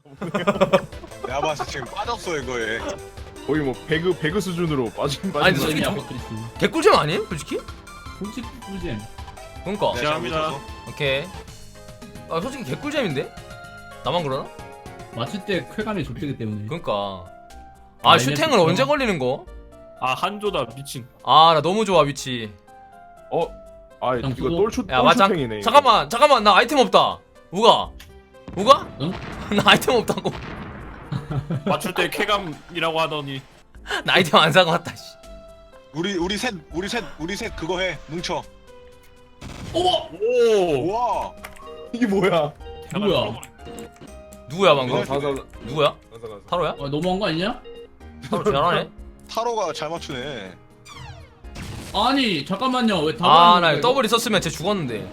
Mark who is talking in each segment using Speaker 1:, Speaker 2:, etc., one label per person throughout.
Speaker 1: 내가 봤을 때 지금 빠졌어 이거에.
Speaker 2: 거의 뭐 배그 수준으로 빠진
Speaker 3: 아니,
Speaker 2: 빠진.
Speaker 3: 솔직히
Speaker 4: 아까 그랬어.
Speaker 3: 개꿀잼 아니에요? 솔직히?
Speaker 4: 솔직히 꿀잼.
Speaker 3: 그러니까.
Speaker 1: 네,
Speaker 5: 시작합니다.
Speaker 1: 잘 붙었어.
Speaker 3: 오케이. 아 솔직히 개꿀잼인데? 나만 그러나?
Speaker 4: 맞출 때 쾌감이 좁되기 때문에.
Speaker 3: 그러니까.
Speaker 4: 아,
Speaker 3: 아 슈팅은
Speaker 4: 이게
Speaker 3: 언제 걸리는 거?
Speaker 5: 아 한조다 미친.
Speaker 3: 아 나 너무 좋아 위치.
Speaker 2: 아
Speaker 4: 그냥
Speaker 2: 이거
Speaker 4: 그거-
Speaker 3: 야 맞아.
Speaker 2: 똘추팽이네.
Speaker 3: 잠깐만 나 아이템 없다. 우가?
Speaker 4: 응?
Speaker 3: 나 아이템 없다고.
Speaker 5: 맞출 때 쾌감이라고 하더니.
Speaker 3: 나 아이템 안 사고 왔다. 씨.
Speaker 1: 우리 셋 그거 해 뭉쳐.
Speaker 5: 오.
Speaker 1: 우와.
Speaker 2: 이게 뭐야?
Speaker 4: 누구야?
Speaker 3: 누구야 방금?
Speaker 2: 가사
Speaker 3: 누구야?
Speaker 2: 가사.
Speaker 3: 타로야?
Speaker 4: 아, 너무한 거 아니냐?
Speaker 3: 타로 잘하네.
Speaker 1: 타로가 잘 맞추네.
Speaker 4: 아니 잠깐만요. 왜
Speaker 3: 아
Speaker 4: 답안
Speaker 3: 나 더블 있었으면 쟤 죽었는데.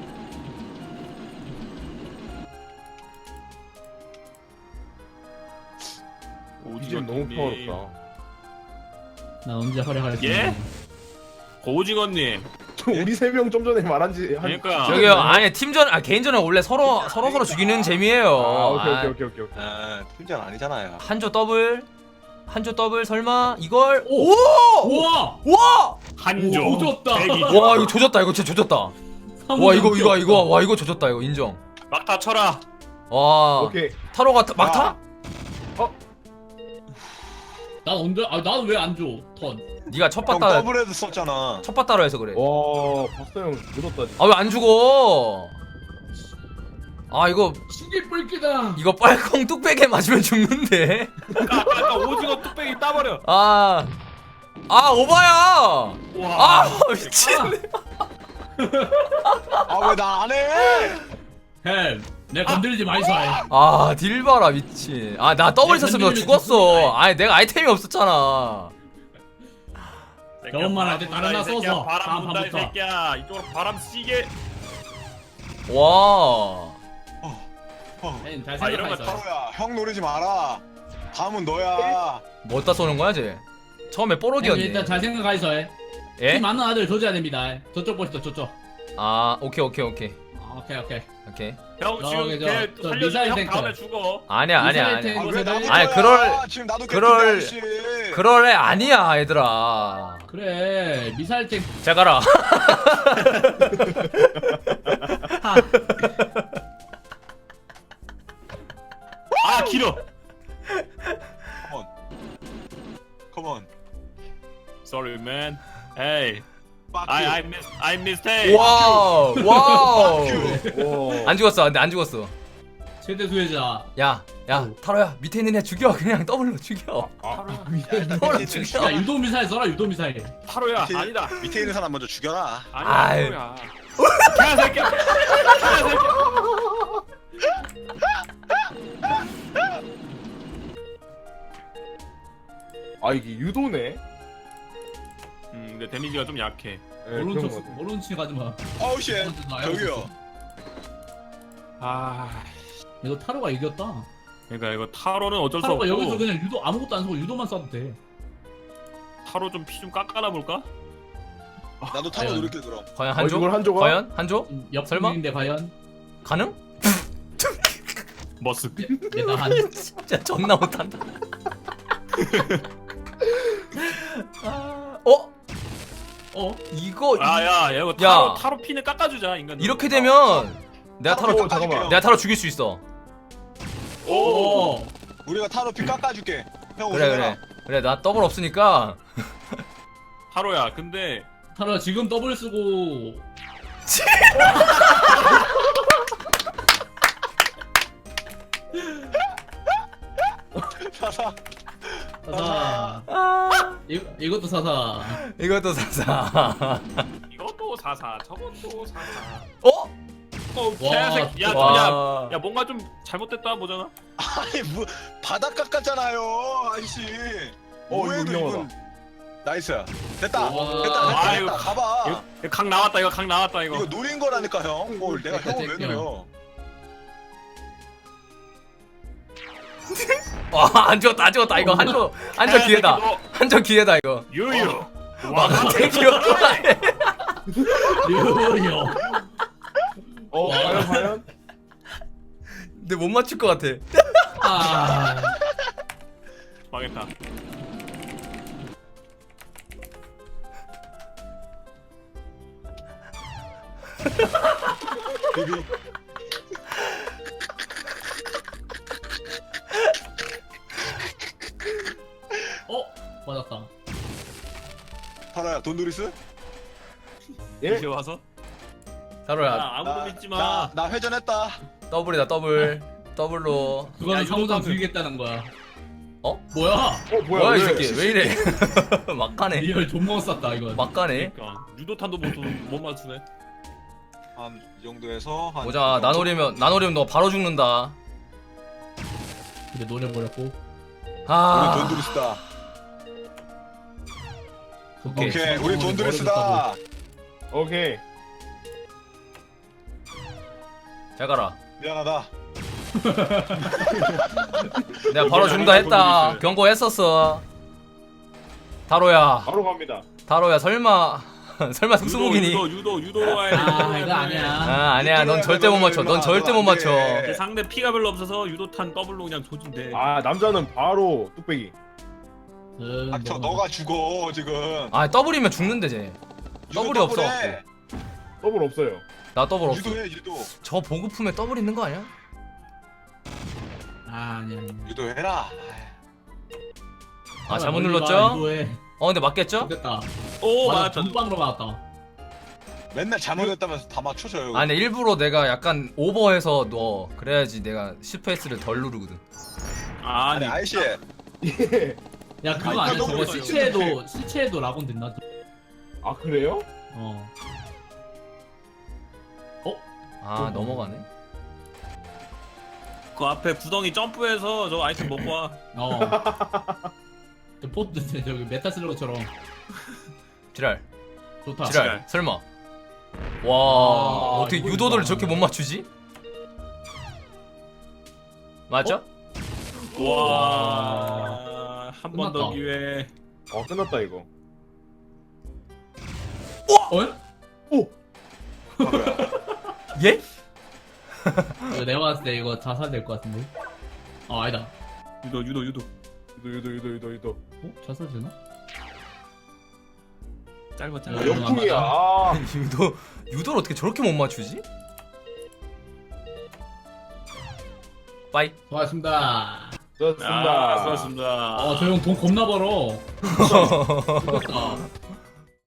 Speaker 2: 이제 너무 파워롭다.
Speaker 4: 나 언제 활약할지.
Speaker 5: 예? 고우징어님.
Speaker 2: 우리 세 명 좀 전에 말한지 한.
Speaker 5: 그러니까.
Speaker 3: 저기요 아니 팀전 아 개인전은 원래 서로 죽이는 재미예요.
Speaker 2: 아 오케이.
Speaker 1: 아 팀장 아니잖아요.
Speaker 3: 한조 더블 설마 이걸
Speaker 4: 오!
Speaker 3: 오!
Speaker 4: 우와!
Speaker 3: 와!
Speaker 5: 한조.
Speaker 4: 오, 조졌다.
Speaker 5: 대기죠.
Speaker 3: 와 이거 조졌다 이거 진짜 조졌다. 와 이거 조졌다 이거 인정.
Speaker 5: 막다 쳐라.
Speaker 3: 와
Speaker 2: 오케이.
Speaker 3: 타로가 막타?
Speaker 4: 난 언제? 아 나는 왜 안 줘? 턴.
Speaker 3: 네가 첫
Speaker 1: 형
Speaker 3: 바따
Speaker 1: 더블헤드 썼잖아.
Speaker 3: 첫 바따로 해서 그래.
Speaker 2: 와 박사 형 늦었다. 진짜.
Speaker 3: 아 왜 안 죽어? 아 이거
Speaker 4: 신기 뿔기다.
Speaker 3: 빨콩 뚝배기에 맞으면 죽는데.
Speaker 5: 아까 오징어 뚝배기 따버려.
Speaker 3: 아 오바야.
Speaker 5: 와.
Speaker 3: 아 미친.
Speaker 1: 아 왜 나 안 해?
Speaker 4: 햄. 내 건드리지 마이소.
Speaker 3: 아 딜바라 미친. 아 나 더블 있었으면 너 죽었어. 아니 내가 아이템이 없었잖아.
Speaker 4: 저것만 할때 다른 하나 써서
Speaker 5: 바람
Speaker 4: 다음
Speaker 5: 분다 이
Speaker 4: 판부터.
Speaker 5: 새끼야. 이쪽으로 바람 씨게.
Speaker 3: 와.
Speaker 4: 햄, 잘
Speaker 5: 아, 이런 거
Speaker 4: 생각하이소.
Speaker 1: 타로야 형 노리지 마라. 다음은 너야.
Speaker 3: 뭐다 쏘는 거야 쟤? 처음에
Speaker 4: 햄,
Speaker 3: 뽀록이었네.
Speaker 4: 일단 잘 생각하이소.
Speaker 3: 예?
Speaker 4: 키 많은 아들 줘줘야 됩니다. 저쪽 보시죠 저쪽.
Speaker 3: 아 오케이.
Speaker 4: 아, 오케이.
Speaker 5: 형
Speaker 4: 저기,
Speaker 5: 지금
Speaker 4: 저
Speaker 5: 걔
Speaker 4: 미사일
Speaker 5: 살려주면 형
Speaker 4: 탱크.
Speaker 5: 다음에 죽어.
Speaker 3: 아니야.
Speaker 4: 미사일
Speaker 1: 아
Speaker 4: 탱크.
Speaker 1: 왜 나부터야?
Speaker 3: 아니,
Speaker 1: 지금 나도
Speaker 3: 그럴-
Speaker 1: 개꿀 씨.
Speaker 3: 그럴 애 아니야 얘들아.
Speaker 4: 그래 미사일 탱.
Speaker 3: 잘 가라.
Speaker 5: 아 길어.
Speaker 1: 컴온.
Speaker 5: Sorry man. Hey.
Speaker 1: Fuck
Speaker 5: I
Speaker 1: you.
Speaker 5: I mistake.
Speaker 3: 와우.
Speaker 1: Fuck you.
Speaker 2: 와.
Speaker 3: 안 죽었어. 근데 안 죽었어.
Speaker 4: 최대 수혜자.
Speaker 3: 야 타로야 밑에 있는 애 죽여. 그냥 더블로 죽여. 더블로 죽여.
Speaker 4: 야 유도 미사일 써라 유도 미사일.
Speaker 5: 타로야
Speaker 1: 밑에-
Speaker 5: 아니다.
Speaker 1: 밑에 있는 사람 먼저 죽여라.
Speaker 5: 아니야
Speaker 3: 아이.
Speaker 5: 타로야. 개새끼야. 개새끼야.
Speaker 2: 아 이게 유도네.
Speaker 5: 근데 데미지가 좀 약해.
Speaker 2: 네,
Speaker 4: 모른
Speaker 2: 그런
Speaker 4: 척
Speaker 2: 거 같아.
Speaker 4: 모른 척 하지 마.
Speaker 1: 어우 씨. 저기요.
Speaker 5: 아.
Speaker 4: 이거 타로가 이겼다.
Speaker 5: 그러니까 이거 타로는 어쩔 수 없고.
Speaker 4: 타로가 여기서 그냥 유도 아무것도 안 쓰고 유도만 써도 돼.
Speaker 5: 타로 좀 피 좀 깎아놔 볼까?
Speaker 1: 나도 타로
Speaker 4: 과연.
Speaker 1: 노릴게 그럼.
Speaker 3: 과연 한조?
Speaker 2: 이걸 한조가?
Speaker 3: 과연 한조? 설마?
Speaker 4: 옆인데 과연
Speaker 3: 가능?
Speaker 5: 머스.
Speaker 4: 내가 한
Speaker 3: 진짜 존나 못한다. 어? 이거
Speaker 5: 아야 이거
Speaker 3: 야.
Speaker 5: 타로 피는 깎아주자 인간.
Speaker 3: 이렇게 되면 내가 타로
Speaker 1: 타로
Speaker 2: 잠깐만.
Speaker 3: 내가 타로 죽일 수 있어.
Speaker 4: 오.
Speaker 1: 우리가 타로 피 깎아줄게. 형
Speaker 3: 그래
Speaker 1: 오세요.
Speaker 3: 그래 나 더블 없으니까.
Speaker 5: 타로야 근데
Speaker 4: 타로가 지금 더블 쓰고
Speaker 1: 사사.
Speaker 4: 사사.
Speaker 3: 아
Speaker 4: 이것도 사사.
Speaker 3: 이것도 사사.
Speaker 5: 이것도 사사 저것도 사사.
Speaker 3: 어?
Speaker 5: 개새끼. 야,
Speaker 3: 와.
Speaker 5: 야 뭔가 좀 잘못됐다 보잖아.
Speaker 1: 아니 뭐 바닥 깎았잖아요, 아저씨. 뭐해도
Speaker 2: 이거
Speaker 1: 이건 나이스. 됐다.
Speaker 4: 와.
Speaker 1: 됐다.
Speaker 5: 아이고.
Speaker 1: 가봐.
Speaker 5: 이거 각 나왔다 이거 각 나왔다 이거.
Speaker 1: 이거 노린 거라니까 형. 뭘 내가
Speaker 4: 됐다,
Speaker 1: 형을 왜
Speaker 4: 됐다.
Speaker 1: 노려?
Speaker 3: 와안 죽었다 이거 한조 기회다. 한조 기회다 이거.
Speaker 5: 유유.
Speaker 3: 와 같은 기회다.
Speaker 4: 류요.
Speaker 2: 과연?
Speaker 3: 근데 못 맞출 것 같아.
Speaker 4: 아,
Speaker 5: 망했다.
Speaker 1: 비비.
Speaker 4: 맞았다.
Speaker 1: 타로야 돈누리스?
Speaker 2: 예?
Speaker 5: 이제 와서?
Speaker 3: 타로야
Speaker 5: 아무도 믿지 마.
Speaker 1: 나 회전했다.
Speaker 3: 더블이다 더블. 더블로.
Speaker 4: 그거는
Speaker 5: 야,
Speaker 4: 상호장
Speaker 5: 유도탄을-
Speaker 4: 죽이겠다는 거야.
Speaker 3: 어?
Speaker 4: 뭐야?
Speaker 3: 뭐야 이 새끼 왜 이래? 막가네.
Speaker 4: 리얼 존먹 쌌다 이건.
Speaker 3: 막가네.
Speaker 5: 그러니까 유도탄도 못 맞추네.
Speaker 1: 한 이 정도에서 한.
Speaker 3: 보자 나노리면 너 바로 죽는다.
Speaker 4: 근데 노려버렸고.
Speaker 1: 우리
Speaker 3: 아.
Speaker 1: 돈누리스다.
Speaker 3: 오케이.
Speaker 1: 오케이 우리 돈누리스다.
Speaker 2: 오케이.
Speaker 3: 잘 가라.
Speaker 1: 미안하다.
Speaker 3: 내가 바로 죽는다 했다. 경고했었어. 타로야.
Speaker 2: 바로 갑니다.
Speaker 3: 타로야 설마 설마 특수무기니?
Speaker 5: 유도와야
Speaker 4: 아, 이거 아니야.
Speaker 3: 아 아니야 넌 절대 못 맞춰. 넌 절대 못 맞춰.
Speaker 5: 상대 피가 별로 없어서 유도탄 더블로 그냥 조진대.
Speaker 2: 아 남자는 바로 뚝배기.
Speaker 1: 닥쳐 너가 죽어 지금.
Speaker 3: 아 더블이면 죽는데 쟤. 더블이 없어.
Speaker 1: 더블해.
Speaker 2: 더블 없어요.
Speaker 3: 나 더블 없어.
Speaker 1: 유도해 유도.
Speaker 3: 저 보급품에 더블 있는 거 아니야?
Speaker 4: 아니야.
Speaker 1: 유도해라.
Speaker 3: 아 잘못 눌렀죠?
Speaker 4: 이거에
Speaker 3: 근데 맞겠죠?
Speaker 4: 됐다.
Speaker 5: 오
Speaker 4: 맞아,
Speaker 5: 맞았다.
Speaker 4: 전방으로 맞았다.
Speaker 1: 맨날 잘못했다면서 다 맞춰줘요.
Speaker 3: 아 근데 일부러 내가 약간 오버해서 넣어. 그래야지 내가 스페이스를 덜 누르거든.
Speaker 1: 아니
Speaker 5: 아니
Speaker 1: 아이씨.
Speaker 2: 예.
Speaker 4: 야 그거
Speaker 1: 아니,
Speaker 4: 아니야.
Speaker 1: 너무
Speaker 4: 저거
Speaker 1: 어려워요.
Speaker 4: 시체에도 라곤 된다.
Speaker 2: 아 그래요?
Speaker 4: 어.
Speaker 3: 아 넘어가네.
Speaker 5: 그 앞에 구덩이 점프해서 저 아이템 먹고 와.
Speaker 4: 어. 저 포트 저기 메타 슬러그처럼
Speaker 3: 지랄.
Speaker 4: 좋다.
Speaker 3: 지랄. 설마. 와
Speaker 4: 아,
Speaker 3: 어떻게
Speaker 4: 이거
Speaker 3: 유도들을
Speaker 4: 이거.
Speaker 3: 저렇게 못 맞추지? 맞죠?
Speaker 5: 와. 한 번 더
Speaker 4: 끝났다.
Speaker 5: 기회.
Speaker 2: 끝났다 이거.
Speaker 4: 어?
Speaker 3: 예?
Speaker 4: 이거 내가 봤을 때 이거 자살 될 것 같은데. 아니다.
Speaker 5: 유도.
Speaker 2: 유도.
Speaker 4: 어? 자살 되나?
Speaker 5: 짧아.
Speaker 4: 야,
Speaker 2: 아, 역풍이야. 아.
Speaker 3: 유도를 어떻게 저렇게 못 맞추지? 빠이.
Speaker 4: 수고하셨습니다.
Speaker 2: 좋습니다.
Speaker 5: 아, 수고하셨습니다.
Speaker 4: 저 형 돈 겁나 벌어. 죽었다.